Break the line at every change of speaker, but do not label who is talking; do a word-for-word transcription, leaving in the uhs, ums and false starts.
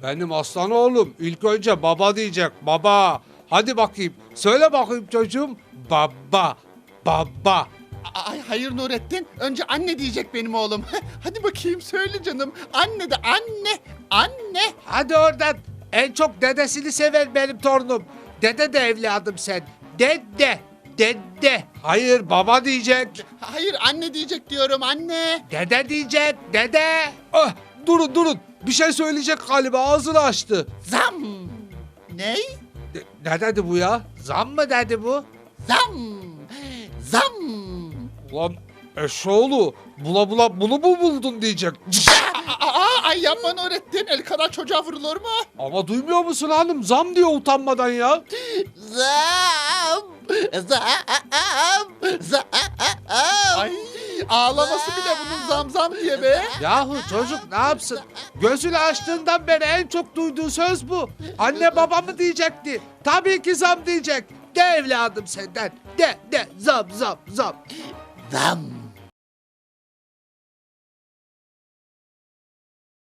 Benim aslan oğlum ilk önce baba diyecek, baba. Hadi bakayım, söyle bakayım çocuğum. Baba, baba.
Ay hayır Nurettin. Önce anne diyecek benim oğlum. Hadi bakayım söyle canım. Anne de anne. Anne.
Hadi oradan. En çok dedesini sever benim torunum. Dede de evladım sen. Dede, dede. Hayır, baba diyecek.
Hayır anne diyecek diyorum anne.
Dede diyecek, dede. Ah, durun durun. Bir şey söyleyecek galiba, ağzını açtı.
Zam. Ney?
Ne, ne dedi bu ya? Zam mı dedi bu?
Zam. Zam.
Ulan eşoğlu, bula bula bunu mu buldun diyecek.
Aa, ay yapma Nurettin. El kadar çocuğa vurulur mu?
Ama duymuyor musun hanım? Zam diyor utanmadan ya.
Zam. Zam. Zam. Ay ağlaması bile bunun zam zam diye be.
Yahu çocuk ne yapsın? Gözünü açtığından beri en çok duyduğu söz bu. Anne baba mı diyecekti? Tabii ki zam diyecek. De evladım senden. De de zam zam zam.
Zam.